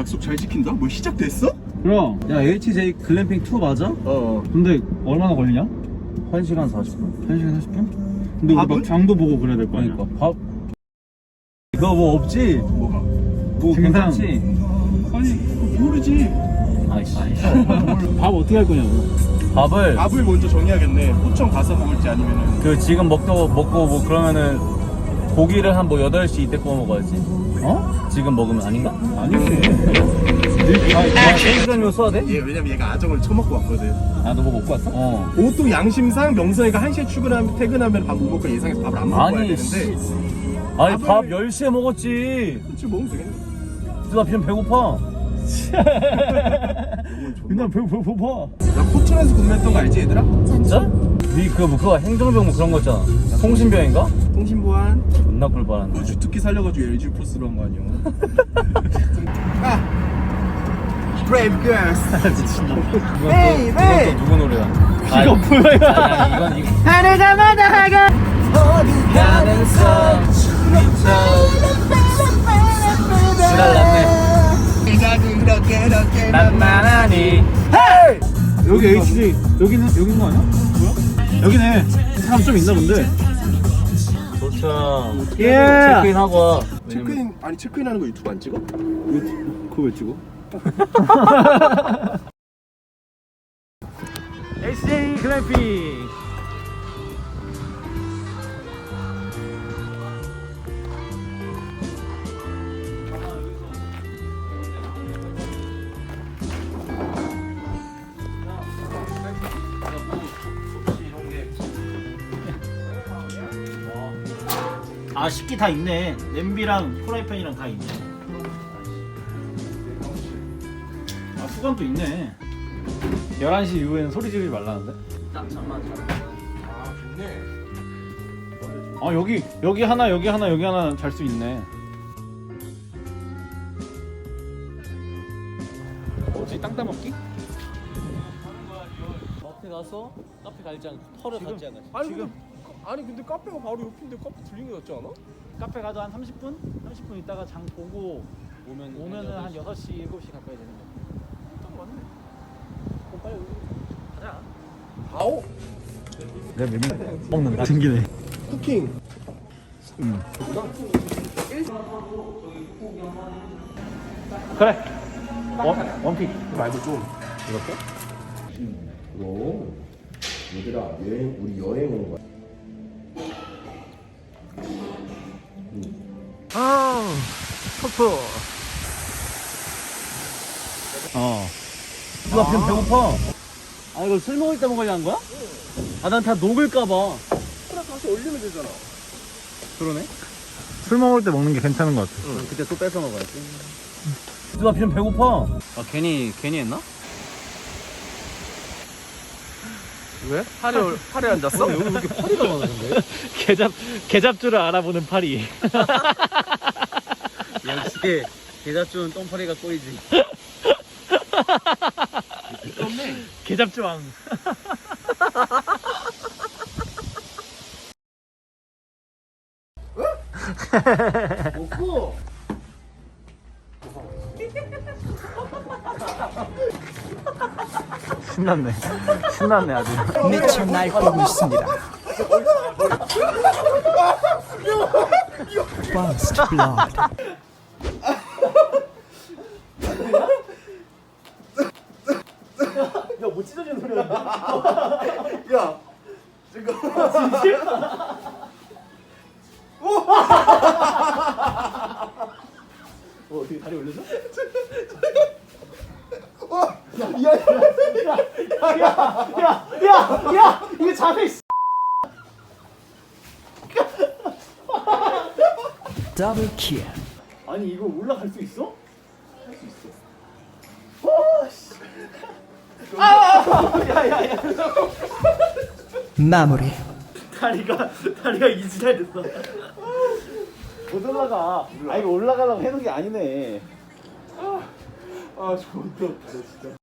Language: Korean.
약속 잘 지킨다? 뭐 시작됐어? 그럼 야 HJ 글램핑 2 맞아? 근데 얼마나 걸리냐? 1시간 40분. 1시간 40분? 근데 우리 밥은? 막 장도 보고 그래야 될 거 아니야? 그러니까 밥 너 뭐 없지? 뭐가? 뭐 증상. 괜찮지? 아니 모르지. 아이씨. 밥 어떻게 할 거냐고. 밥을 밥을 먼저 정해야겠네. 포청 가서 먹을지 아니면은 그 지금 먹고 뭐 그러면은 고기를 한 뭐 8시 이때 구워 먹어야지. 어? 지금 먹으면 아닌가? 아니지. 아, 1시간이면 써야 돼? 얘 왜냐면 얘가 아정을 처먹고 왔거든. 아, 너 뭐 먹고 왔어? 어. 보통 양심상 명선이가 1시에 퇴근하면 밥 못 먹고 예상해서 밥을 안 먹어야 아니, 되는데 아니, 밥을- 밥 10시에 먹었지. 그렇지 먹으면 되겠네. 나 지금 배고파. 그냥 배고파. 나 포천에서 근무했던 거 알지 얘들아? 진짜? 니 그거 행정병 뭐 그런 거 있잖아. 통신병인가? 통신보안 존나 꿀빨았네. 주특기 살려가지고 LG 플러스로 한 거 아니야? Brave girls. 이건 또 누구 노래야? 이거 뭐야? 아니, 이건 하늘가 마다하가 어디 가면서 지랄났네. 난만하니. 여기 HJ 여긴 거 아니야? 뭐야? 여기네. 사람 좀 있나 본데. 도착. 예. 체크인 하고 와. 체크인하는 거 유튜브 안 찍어? 그거 왜 찍어? HJ 글램핑. 아 식기 다 있네. 냄비랑 프라이팬이랑 다 있네. 아 수건도 있네. 11시 이후에는 소리 지르지 말라는데? 잠깐만. 아 좋네. 아 여기 하나 여기 하나 잘 수 있네. 뭐지? 땅 따먹기? 카페 가서 카페 갈지 않고 털을 갖지 않아. 아니 근데 카페가 바로 옆인데 카페 들린 게 낫지 않아? 카페 가도 한 30분? 30분 있다가 장 보고 오면은 한 6시, 7시 가까이 되는 거. 딱 맞네. 그럼 빨리 가자. 아오 내가 메밀 먹는다. 생기네. 쿠킹. 그래. 원픽. 말고 좀 이렇게? 오 얘들아 우리 여행 온 거야. 커프. 나 지금 배고파. 아 이거 술 먹을 때 먹으려는 거야? 아 난 다 녹을까봐. 그래 다시 올리면 되잖아. 그러네. 술 먹을 때 먹는 게 괜찮은 것 같아. 그때 또 뺏어 먹어야지. 나 지금 배고파. 아 괜히 했나? 왜? 팔에 앉았어? 여기 왜 이렇게 파리가 많아 근데? 개잡주를 알아보는 파리. 역시 계좌준 똥파리가 꼬이지. 개잡주왕. 먹고. 신났네 아주. 미쳐 날뛰고 있습니다. First blood. 야뭐 찢어지는 소리야. 야 지금 어떻게 다리 올려줘? 야 이거 자세 있어. Double kill. 아니 이거 올라갈 수 있어? 마무리. 다리가 이지랄 됐어. 못 올라가. 아 이거 올라가려고 해놓은 게 아니네. 아 좋다 진짜.